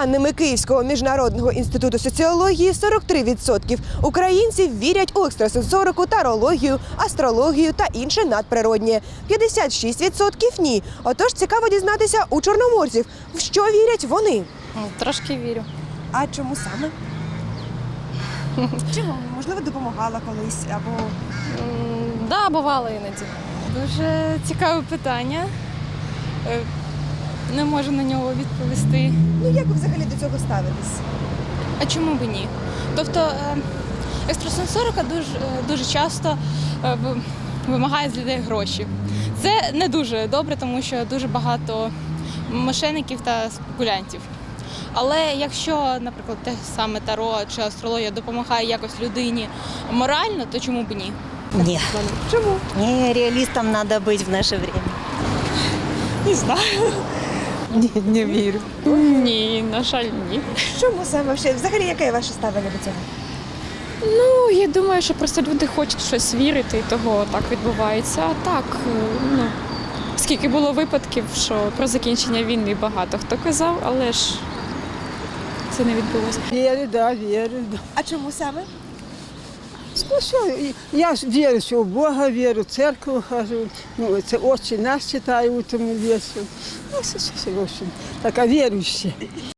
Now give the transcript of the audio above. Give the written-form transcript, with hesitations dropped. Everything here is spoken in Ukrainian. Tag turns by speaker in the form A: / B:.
A: даними Київського міжнародного інституту соціології, 43% українців вірять у екстрасенсорику, тарологію, астрологію та інше надприроднє. 56% – ні. Отож, цікаво дізнатися у чорноморців, в що вірять вони.
B: Трошки вірю.
A: А чому саме? Чому? Можливо, допомагала колись або…
B: Да, бувало іноді.
C: Дуже цікаве питання. Не можу на нього відповісти.
A: Ну, як ви взагалі до цього ставитесь?
C: А чому б ні? Тобто екстрасенсорика дуже часто вимагає з людей гроші. Це не дуже добре, тому що дуже багато мошенників та спекулянтів. Але якщо, наприклад, те саме таро чи астрологія допомагає якось людині морально, то чому б ні?
D: Нет.
A: Чому?
D: Не, реалистом надо быть в наше время.
C: Не знаю.
E: Ні, не вірю.
C: Ні, на жаль, ні.
A: Чому саме? Взагалі, яке ваше ставлення до цього?
F: Ну, я думаю, що просто люди хочуть в щось вірити, і того так відбувається. А так, ну, скільки було випадків, що про закінчення війни багато хто казав, але ж це не відбулося.
E: Вірю, да, вірю. Да.
A: А чому саме?
E: Ну, що, я ж вірю, що в Бога вірю, в церкву хожу. Ну, це «Отче наш» читаю утром і вечором. Ну, все, в общем, така віруюча.